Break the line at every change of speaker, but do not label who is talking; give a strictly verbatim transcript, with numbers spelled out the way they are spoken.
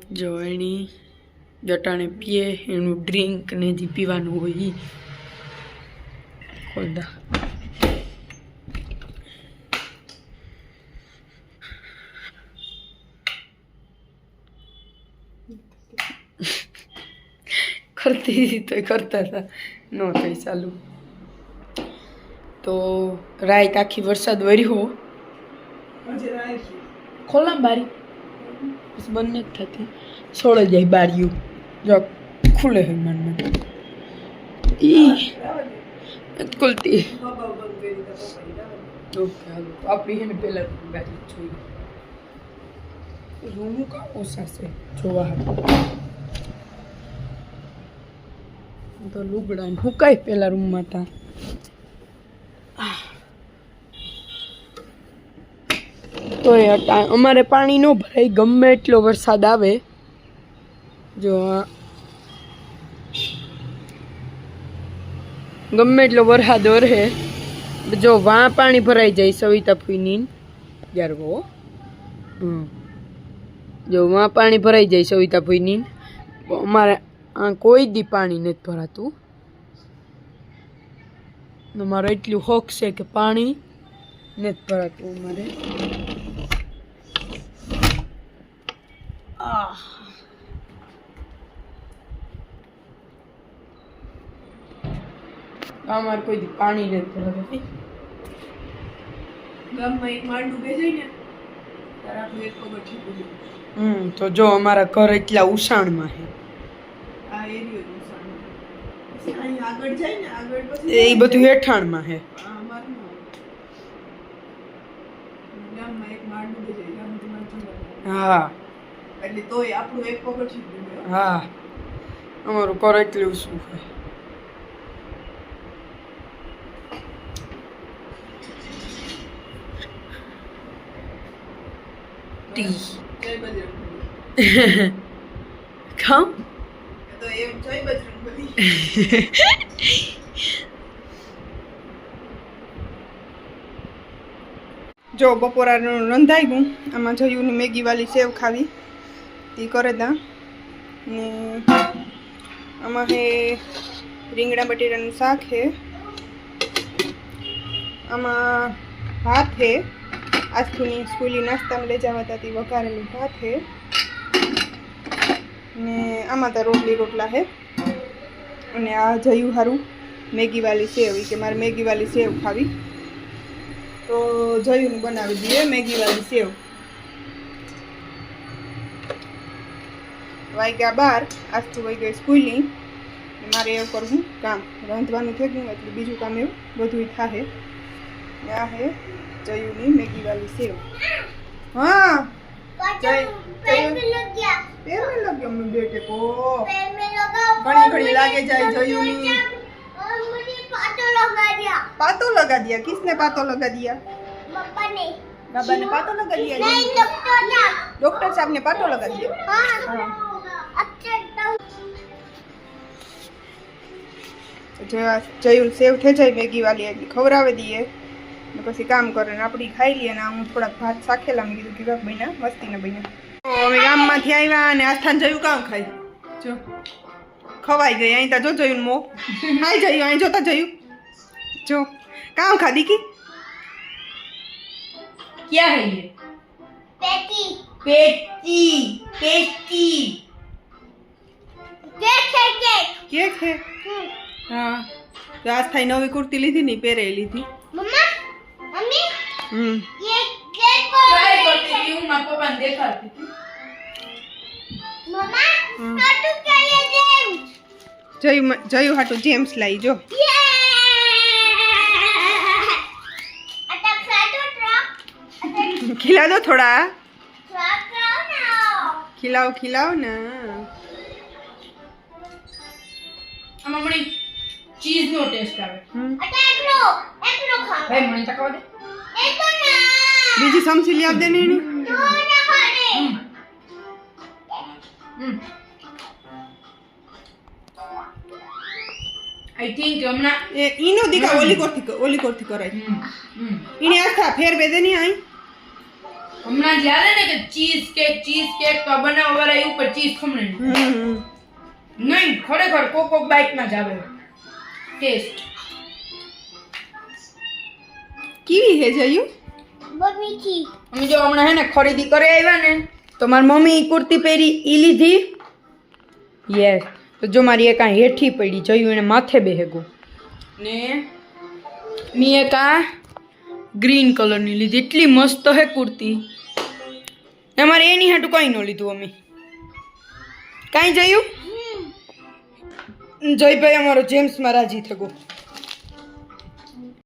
जो एनी जटाने पीए एनु ड्रिंक ने जी पीवानुं होय ई खोल दा करती थी तो करता था नो थई चालू तो रात आखी वरसाद वर्यो खोला बारी बस बंद नहीं थती छोड़ जाए बारियों जो खुले है मन में ई खुलती ओके हालो आप ही ने पहला गाड़ी छोई रूम का ओसा से जोवा तो लुगड़ा हुकाई पहला रूम में था तो अमारे पानी नो भराई गमे एटलो वरसाद आवे जो गमे एटलो वरसाद वरे जो वहाँ पानी भराई जाए सविता फूईनी यार वो जो वहाँ पानी भराई जाए सविता फूईनी अमारे आ कोई दी पानी नहीं भरातु मारे एटलू हक से कि पानी नहीं भरातु मारे हमारे कोई दी पानी नहीं भरातु गाम में एक मार डूबे जाए ने तारा तो एक को बैठी बोली हम्म तो जो हमारा घर इतना उषाण में है ए બધું હેઠાણમાં હે હા એટલે તોય આપણું એક પગડ છે હા અમારું ઘર એટલું શું છે ટી જય બજરંગબલી ખાઓ તો એમ જય બજરંગબલી जो बपोरा रंधाई गयूँ आम जयू ने मैगी वाली सेव खावी ती करे दा ने आमा है રીંગણા બટેટાનું શાક है आमा भात है आज थोड़ी स्कूली नाश्ता में ले जावा था ती वघारेलू भात है ने आमा तो रोटली रोटला है અને આ જયું હારું મેગી વાली સેવ કે મારે મેગી વાली સેવ ખાવી तो जयू ने बनावी दिए मैगी वाली सेव वाई गया बार आज तो वही गई स्कूली मारे एवं करवू काम रांधवानुं थई गयुं एटले बीजुं काम एवं बधुं थाहे आ है जयू नी मैगी वाली सेव हाँ जय पैर में लग गया पैर में लग गया मेरे बेटे को पैर में लगा घड़ी घड़ी लागे जाए जयू नी और मुझे पातो लगा दिया पातो लगा दिया किसने पातो लगा दिया पापा ने बाबा ने पातो लगा दिया नहीं डॉक्टर साहब डॉक्टर साहब ने पातो लगा दिया हां अच्छा जो जयू सेव थे जाए मैगी वाली एटली खवरावे दिए ने પછી કામ કરે ને આપડી ખાઈ લીએ ને હું થોડા ભાત સાખેલા મે કીધું કેવા બન્યા મસ્તી ને બન્યા તો અમે ગામ માંથી આવ્યા અને આસ્થાન જયું કામ ખાઈ જો ખવાઈ ગઈ અહીં તા જો જયું મો હાય જયું અહીં જોતા જયું जो काम खादी की क्या है ये पेटी पेटी पेटी केक है केक केक है हाँ तो आज थाई नवी कुर्ती ली थी नहीं पहरे ली थी मम्मा मम्मी हम्म ये केक को ट्राई करती थी हूँ माँ पापा ने देखा थी मम्मा हाटू क्या ये जेम्स जयू जयू हाटू जेम्स लाई जो खिला दो थोड़ा खिलाओ खिलाओ ना मम्मी चीज नो टेस्ट आवे अटे एकलो एकलो खा भाई मने तकवा दे एको ना बीजी समसी लिया दे ने तो ना खा दे हम्म आई थिंक हमना ए इनो दिखा ओली कोठी ओली कोठी कराई हम्म इने आस्था फेर बेदे नहीं आई
હમણાં જ્યારે ને કે ચીઝ કેક ચીઝ કેક તો બનાવવા વાળા એ ઉપર ચીઝ ખમણે નહીં ખરેખર કોક કોક બાઈટ માં જ આવે ટેસ્ટ
કેવી હે જયું
बहुत मीठी
અમે જો હમણાં હે ને ખરીદી કરી આવ્યા ને તો મારી મમ્મી ઈ કુર્તી પહેરી ઈ લીધી યસ તો જો મારી એક આ હેઠી પડી જોયું એને માથે બેહેગું ને મી એક આ ગ્રીન કલરની લીધી એટલી મસ્ત હે કુર્તી અમારે એની હાટું કંઈ ન લીધું અમે કાંઈ જોયું જયભાઈ અમારો જેમ્સમાં રાજી થયો